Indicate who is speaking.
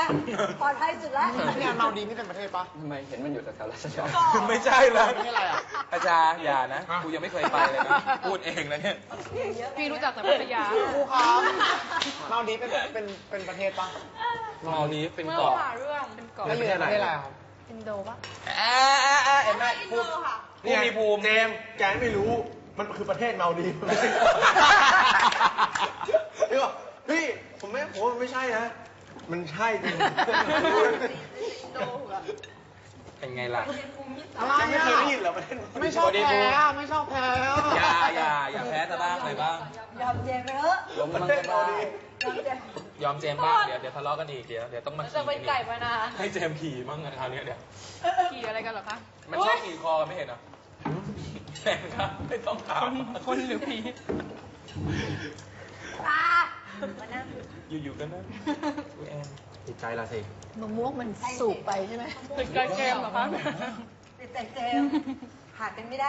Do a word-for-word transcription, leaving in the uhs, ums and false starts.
Speaker 1: ปลอดภัยสุดแล้ว
Speaker 2: เนี่ยเมาดีนี่เป็นประเทศปะ
Speaker 3: ทำไมเห็นมันอยู่แถวๆราชดา
Speaker 4: ไม่ใช่แล้ว
Speaker 2: ไม่ใช่อะไรอ่ะ
Speaker 4: อาจารย์อย่านะกูยังไม่เคยไปเลยนะพูดเองนะเนี่ย
Speaker 5: พี่รู้จักแต่พัทยา
Speaker 2: ครูครับเมาดีเป็นเป็นเป็นประเทศปะ
Speaker 4: มอลนี้เป็น
Speaker 5: เมื่อ
Speaker 4: เกาะ
Speaker 5: วานเรื่องเป็นเกาะ
Speaker 2: แล้วอยู่ในประเทศอะไรครับ
Speaker 5: อินโดปะ
Speaker 4: แอะแอะแอะเห็นไหมพูดพูดมีภูมิ
Speaker 6: เจมส์แกไม่รู้ มันคือประเทศเมาดีฟพี่บอกพี่ ผมไม่ผมว่ามันไม่ใช่นะ มันใช่จริง
Speaker 4: เป็นไงล่ะ
Speaker 2: อะไร
Speaker 6: ไม่
Speaker 2: อ่ะ
Speaker 6: เคยได้ยินเหรอประเทศเมาดีฟ
Speaker 2: ไม่ชอบแพ้อ่ะไม่ชอบแพ้อ่ะ
Speaker 4: อย่าอย่าอย่าแพ้ซะบ้างเลยบ้าง
Speaker 1: ยอมเจมไปเถอะ
Speaker 3: ล้มมันก็ได้
Speaker 1: ยอมเจม
Speaker 4: ยอมเจมส์บ้างเดี๋ยวเดี๋ยวทะเลาะกันอีกเดี๋ยวเดี๋ยวต้องมา
Speaker 5: แล้ว
Speaker 4: ขี่
Speaker 5: จะเป็นไก่
Speaker 4: กัน
Speaker 5: ปะ
Speaker 4: อีก
Speaker 5: นา
Speaker 4: ให้เจมส์ขี่บ้างอะคราวเนี้ยเดี๋ยว
Speaker 5: ขี่อะไรกันเหรอคะ
Speaker 4: มันชอบขี่คอไม่เห็นเหรอแข่งครับไม่ต้องถาม
Speaker 5: คนหรือผี
Speaker 1: ตามานั่ง
Speaker 4: อยู่ๆก็นั่นกูแอน
Speaker 6: ติดใจละสิ
Speaker 1: มะม่วงมันสูบไปใช่ไหม
Speaker 5: เป็นการเกมเหรอคะ
Speaker 1: ติดแต่เจมหากันไม่ได้